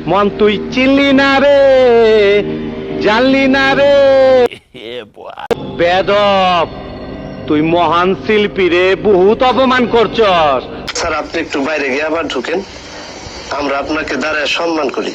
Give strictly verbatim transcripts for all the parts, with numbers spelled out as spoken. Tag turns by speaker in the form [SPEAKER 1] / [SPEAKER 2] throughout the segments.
[SPEAKER 1] মন তুই চিনলি না রে, জানলি না রে বেদব, তুই মহান শিল্পী রে, বহুত অপমান করছস।
[SPEAKER 2] স্যার আপনি একটু বাইরে গিয়ে আবার ঢুকেন, আমরা আপনাকে দাঁড়ায় সম্মান করি।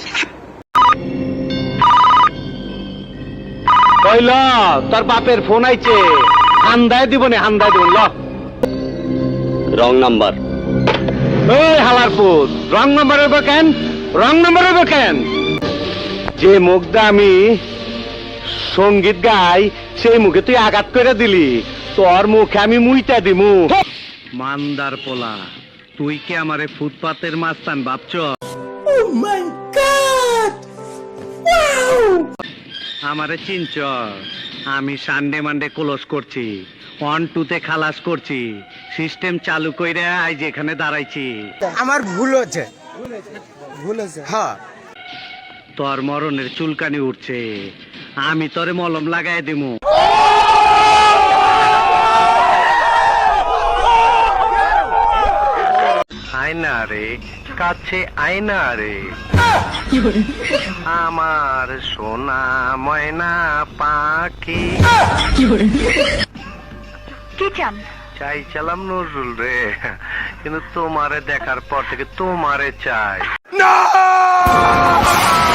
[SPEAKER 1] কইল তোর বাপের ফোন আইছে, হান্দায় দিব নে, হান্দায় দিব ল।
[SPEAKER 3] Wrong number.
[SPEAKER 1] এই হালারপুর, রং নাম্বার হইব কেন? রং নাম্বার হইব কেন? যে মুখটা আমি সঙ্গীত গাই, সেই মুখে তুই আঘাত করে দিলি, তোর মুখে আমি মুইটা দিমু। মান্দার পোলা, তুই কি আমারে ফুটপাতের মাস্তান ভাবছ? আমারে চিনচ? আমি সানডে মানডে ক্লোজ করছি, ওয়ান টুতে খালাস করছি, সিস্টেম চালু কইরা আজ এখানে দাঁড়াইছি।
[SPEAKER 4] আমার ভুল হচ্ছে, ভুল হচ্ছে। হ্যাঁ,
[SPEAKER 1] তোর মরণের চুলকানি উঠছে, আমি তোরে মলম লাগাই দিমু। আয়না রে, কাছে আয়না রে, আমার সোনা ময়না পাখি।
[SPEAKER 5] কি চান?
[SPEAKER 1] চাইছিলাম নজরুল রে, কিন্তু তোমারে দেখার পর থেকে তোমারে চাই।